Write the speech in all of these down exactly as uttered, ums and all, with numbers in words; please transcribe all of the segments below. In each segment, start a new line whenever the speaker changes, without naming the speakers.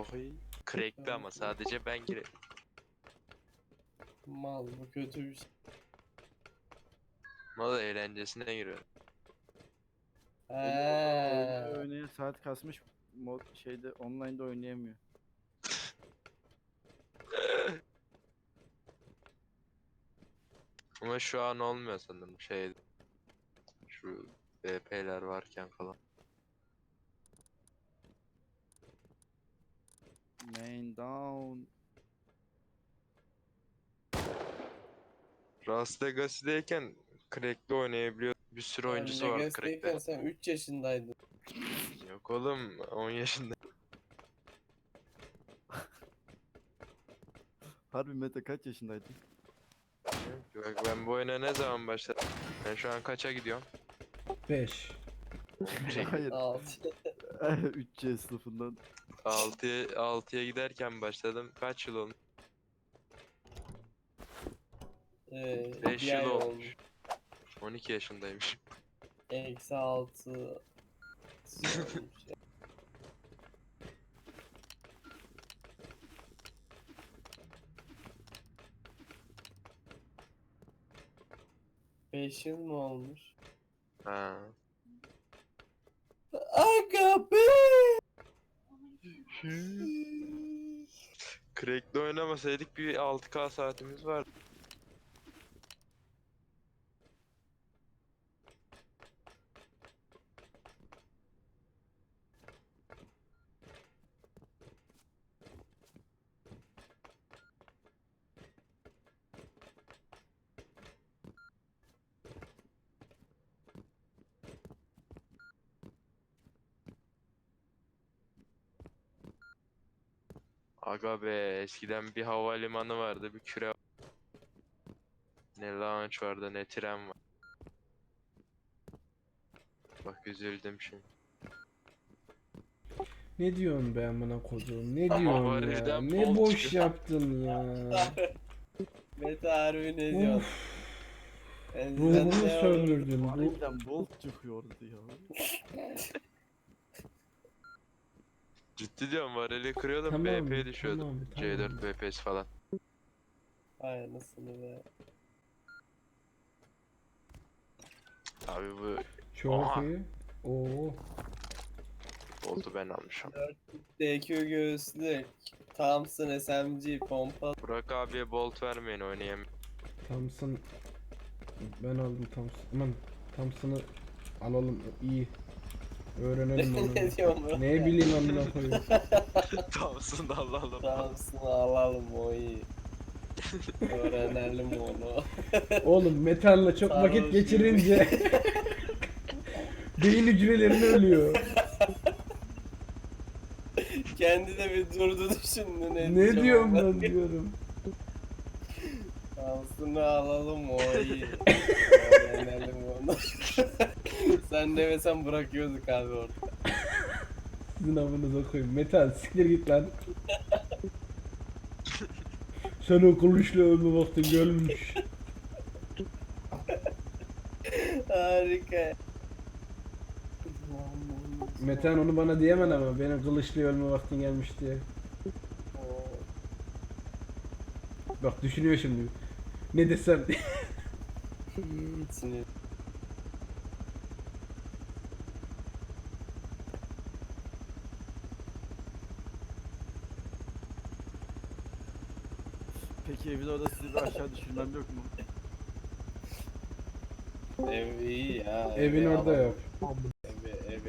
Oy. Crack'ti ama sadece ben girelim.
Mal bu kötü bir şey.
Ama da eğlencesine giriyor.
Eee.
Oynaya saat kasmış mod şeyde online'da oynayamıyor.
Ama şu an olmuyor sanırım şey. Şu B P'ler varken falan.
Main down.
Las Vegas'dayken Crack'le oynayabiliyor. Bir sürü oyuncusu vardı
Legacy'deyken
Crack'te.
sen üç yaşındaydın.
Yok oğlum on yaşında.
Harbi Mete kaç yaşındaydın?
Bak ben bu oyuna ne zaman başladım? Ben şu an kaça gidiyorum?
beş.
Hayır.
altı.
üç C sınıfından.
altıya altıya giderken başladım. Kaç yıl olmuş?
Ee,
beş
bir
yıl
ay
olmuş.
olmuş.
on iki yaşındaymış.
Eksi altı. olmuş ya. Beş yıl mı olmuş?
Ha.
Aga be!
Crack'le oynamasaydık bir altı K saatimiz var. Aga be eskiden bir havalimanı vardı, bir küre. Ne launch vardı, ne tren var. Bak üzüldüm şimdi.
Ne diyorsun be amına koduğum? Ne
Ama
diyorsun
var
ya?
evden
Ne
bol
boş
çıkıyor.
yaptın ya.
Mete harbi ne diyorsun?
Uf,
Ben
ruhumu
sen ne
söndürdün. Bu
Harbiden bolt çıkıyordu ya.
Ciddi diyorum varili kırıyordum,
tamam,
B P düşüyordu.
tamam,
C dört
tamam.
B P'si falan.
Ay anasını be.
Abi bu
Çok
Aha.
iyi. Oo.
oldu ben almışım.
D Q göğüslük. Thompson S M G pompa.
Burak abiye bolt vermeyin, oynayamıyorum.
Thompson. Ben aldım Thompson. Aman Thompson'ı alalım. İyi. Öğrenelim onu.
Ne diyorum bro?
Ne bileyim amına koyayım.
Tamsın da alalım.
Thompson'ı alalım o iyi. Öğrenelim onu.
Oğlum metalle çok
Sarhoş
vakit geçirince beyin hücrelerini ölüyor.
Kendi de bir durdu düşündü ne,
Ne
diyeceğim
diyorum
ama.
ben diyorum.
Thompson'ı alalım o iyi. Öğrenelim onu. Sen demesen bırakıyorduk abi orada.
Sizin amınıza koyayım. Metal siktir git lan. Sen o kılıçla ölme vaktin gelmiş.
Harika.
Metan onu bana diyemem ama benim kılıçla ölme vaktin gelmiş diye. Bak düşünüyor şimdi. Ne desem.
Sinir.
Peki evin orada sizi bir aşağı düşürmem yok mu?
Ev iyi ya.
Evin
evi
orada
alalım.
yap.
Evi, evi.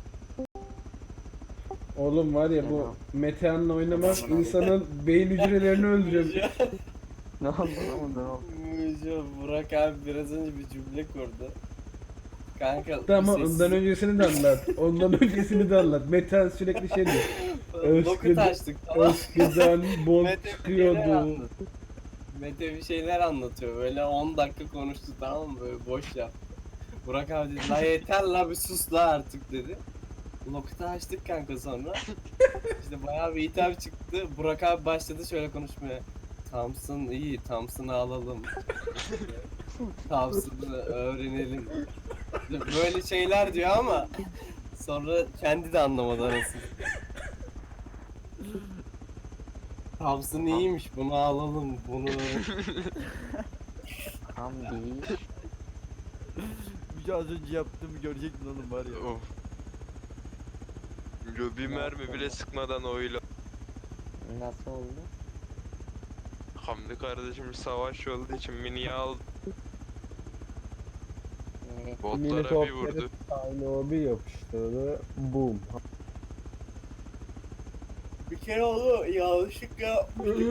Oğlum var ya bu Metehan'la oynamak insanın beyin hücrelerini öldürüyor.
Ne anlamadım ne oldu?
Müjde, Burak abi biraz önce bir cümle kurdu. Kanka
Tamam
bir
ondan öncesini de anlat. Ondan öncesini de anlat. Metehan sürekli şey diyor.
Lokut açtık tamam.
Eskiden bol
Mete bir şeyler
çıkıyordu.
anlat- Mete bir şeyler anlatıyor böyle on dakika konuştu tamam mı böyle boş yap. Burak abi dedi la yeter la bir sus la artık dedi. Lokut'u açtık kanka sonra. İşte bayağı bir hitap çıktı. Burak abi başladı şöyle konuşmaya. Thompson iyi, Thompson'ı alalım. Thompson'ı öğrenelim. Böyle şeyler diyor ama sonra kendi de anlamadı arasını. Thompson iyiymiş, bunu alalım, bunu.
Hamdi.
Bir şey az önce yaptığımı görecektin oğlum var ya.
Of. Yo, bir mermi bile sıkmadan oyla.
Nasıl oldu?
Hamdi kardeşim savaş olduğu için miniyi aldı.
Ee,
Botlara bir vurdu.
Aynı o bir yapıştırdı. Boom.
Bir kere onu yanlışlıkla yapmıştık.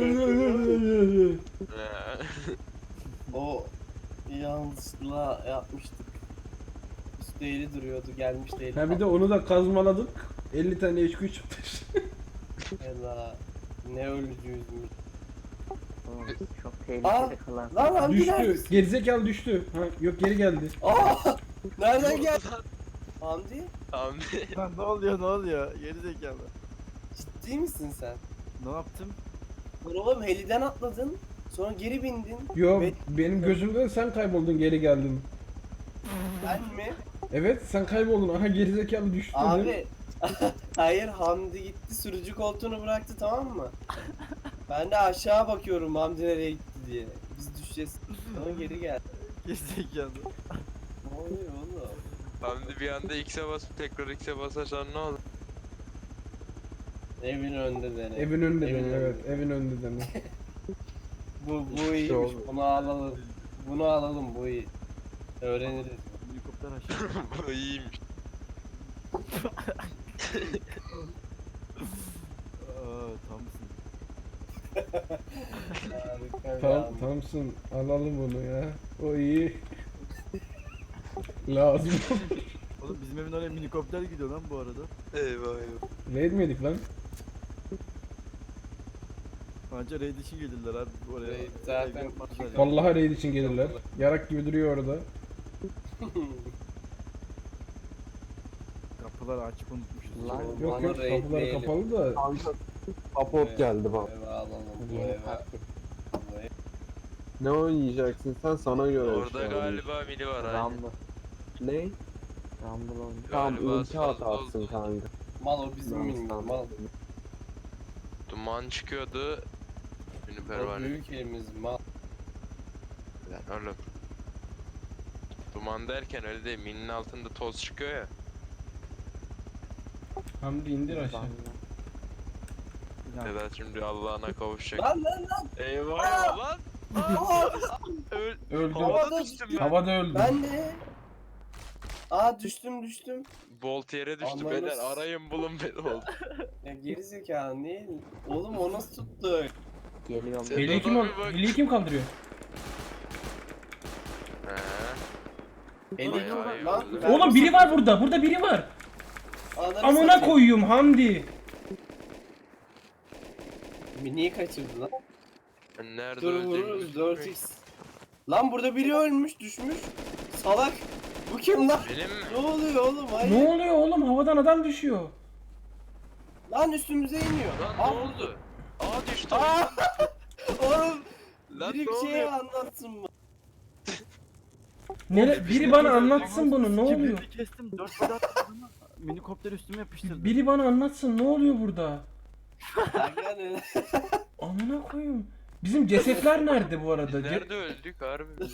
Ee,
O yanlışlıkla yapmıştık. Üstü eğri duruyordu, gelmişti eli.
Ha bir de onu da kazmaladık. elli tane H Q çıktı.
Ela, ne ölücüyüzmüş.
oğlum, çok
Aa,
tehlikeli kılan.
Lan Hamdi
Düştü.
neredesin?
Gerizekalı düştü. Ha yok geri geldi.
Aa! Nereden geldi? Hamdi?
Hamdi.
Lan ne oluyor ne oluyor? Geri zekalı.
Ciddi misin sen?
Ne yaptım?
Lan oğlum heliden atladın. Sonra geri bindin.
Yo
Ve-
benim gözümden sen kayboldun geri geldin.
Ben mi?
Evet sen kayboldun. Aha gerizekalı düştü. dedim.
Abi. Hayır, Hamdi gitti sürücü koltuğunu bıraktı, tamam mı? Ben de aşağı bakıyorum Hamdi nereye gitti diye. Biz düşeceğiz. Sonra geri gel.
Geri zekalı.
Ne oluyor oğlum?
Hamdi bir anda X'e basıp tekrar X'e basarsan ne olur?
Evin önünde dene.
Evin önünde
Evin
dene evet. Evin önünde dene.
Bu, bu iyiymiş.
oldu.
Bunu alalım. Bunu alalım, bu iyi. Öğreniriz.
Helikopter aşağı.
Bu iyiymiş.
Aa, Thompson.
Harika bir
Tamam
Hamdi.
tamsın alalım bunu ya. O iyi. Lazım.
Oğlum bizim evin oraya minikopter gidiyor lan bu arada.
Eyvah eyvah.
Ne etmedik lan?
Bence raid için gelirler abi oraya.
Raid zaten-
Ev yapmazlar ya.
Vallahi raid için gelirler. Yarak gibi duruyor orada.
Kapılar açık unutmuşuz.
Lan.
Şöyle.
Yok
Bana
yok
raid
kapılar
değilim.
kapalı da.
Kanka support geldi bak.
Eve alalım. Bu
Yeni
eve.
taktik.
Bu eve.
Ne oynayacaksın sen sana göre.
Orada
şey alayım.
galiba mili var aynı.
Rambo.
Ne?
Rambo oldu.
Tamam
Galiba
ulti
sağ-
atarsın
sol-
kanka.
Mal o bizim
Lan
minik
sen-
mal.
Duman çıkıyordu. Ünlü
O
pervane.
büyük elimiz mal.
Lan oğlum. Duman derken öyle değil. Minin altında toz çıkıyor ya.
Hamdi indir aşağı.
Rambo.
Ya,
Sedat şimdi Allah'ına kavuşacak.
Lan lan lan.
Eyvah eyvah lan.
Aa,
Öl.
Öldü.
Havada düştüm ben.
Havada öldü.
ben de. Aa, düştüm düştüm.
Bolt yere düştü.
Ananı
Beyler
s-
arayın bulun beni oldu.
Ya geri zekalı niye? Oğlum o nasıl tuttu?
Geliyorum.
Sen-
Heliyi kim,
Sedat abi bak.
heliyi kim kaldırıyor?
He.
Eli
Vay vay
lan.
vay.
ben-
Oğlum biri var burada. Burada biri var.
Ananı
Amına
satayım.
koyuyorum Hamdi.
Mini'yi kaçırdı lan.
Ben nerede
Dur
öldüğümü
vururuz dört
bilmiyorum.
x. Lan burada biri ölmüş düşmüş. Salak. Bu kim lan?
Benim mi?
Ne oluyor oğlum? Hayır.
Ne oluyor oğlum? Havadan adam düşüyor.
Lan üstümüze iniyor.
Lan ne
Aa,
oldu? Aa düştü.
Aa! Oğlum
Lan
biri
ne
bir şey
oluyor?
anlatsın mı?
Nere, biri bana anlatsın bunu. Ne oluyor?
Kibritli kestim. Dört beden attım ama minikopter üstüme yapıştırdı.
Biri bana anlatsın. Ne oluyor burada?
Kanka ne?
Amına koyayım. Bizim cesetler nerede bu arada?
Biz
Ce-
nerede öldük harbi biz?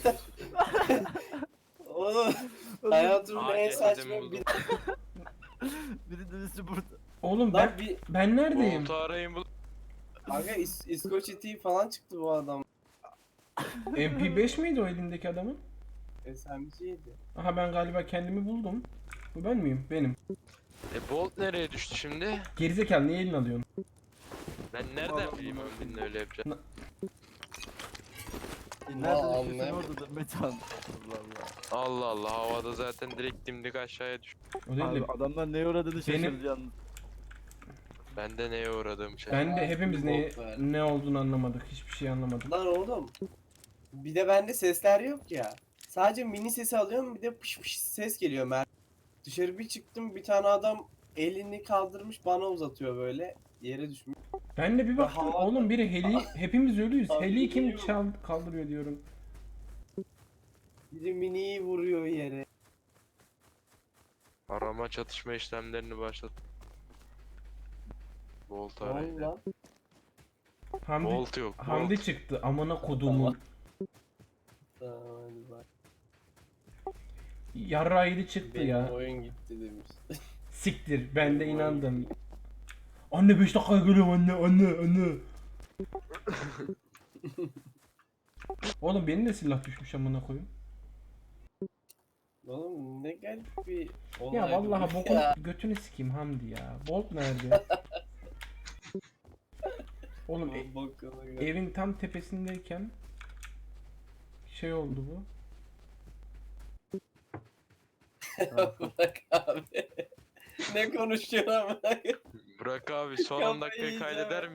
Oğlum hayatımın
Aa,
en
cesedimi
saçma
buldum.
bir...
Biri de üstü burada.
Oğlum ben
Lan bir...
ben neredeyim?
Bolt'u arayın bulun.
Kanka İs İskoç itiği falan çıktı bu adam.
M P beş miydi o elindeki adamın?
S M G'ydi.
Aha ben galiba kendimi buldum. Bu ben miyim? Benim.
E Bolt nereye düştü şimdi?
Gerizekalı niye elini alıyorsun?
Ben nereden bileyim Hamdi'nin öyle yapacağını?
E, nerede düşüyorsun
anlayamadım.
orada da Metan. Allah Allah.
Allah Allah havada zaten direkt dimdik aşağıya düştü.
O değil
Abi
de
adamlar neye uğradığını
Benim-
şaşırdı yalnız.
Ben de neye uğradığım şey.
ben de hepimiz ne
Bok ver.
ne olduğunu anlamadık. Hiçbir şey anlamadık.
Lan oğlum. Bir de bende sesler yok ya. Sadece mini sesi alıyorum, bir de pış pış ses geliyor mer. Dışarı bir çıktım, bir tane adam elini kaldırmış bana uzatıyor böyle. Yere düşmüş.
Ben de bir baktım
Hava-
oğlum biri heli hepimiz ölüyüz.
Abi
Heliyi kim
geliyor.
çal kaldırıyor diyorum.
Biri miniyi vuruyor yere.
Arama çatışma işlemlerini başlat. Bolt
Ne oldu
arayın.
lan?
Hamdi,
Bolt yok.
Hamdi
Bolt.
çıktı amına kodumun.
Tamam hadi bak.
Yarra yedi çıktı
Benim
ya.
oyun gitti demiş.
Siktir ben de
Benim
inandım. Anne beş dakika geliyorum anne anne anne. Oğlum benim de silah düşmüş amına koyayım.
Oğlum ne garip bir olay.
Ya vallahi
bu
bokunu
ya.
götünü sikeyim Hamdi ya. Bolt nerede? Oğlum e-
Bokunu gör.
evin tam tepesindeyken şey oldu bu.
Bırak abi. Ne konuşuyorsun ama?
Burak abi son
Kafayı
on dakikayı
yiyeceğim.
kaydeder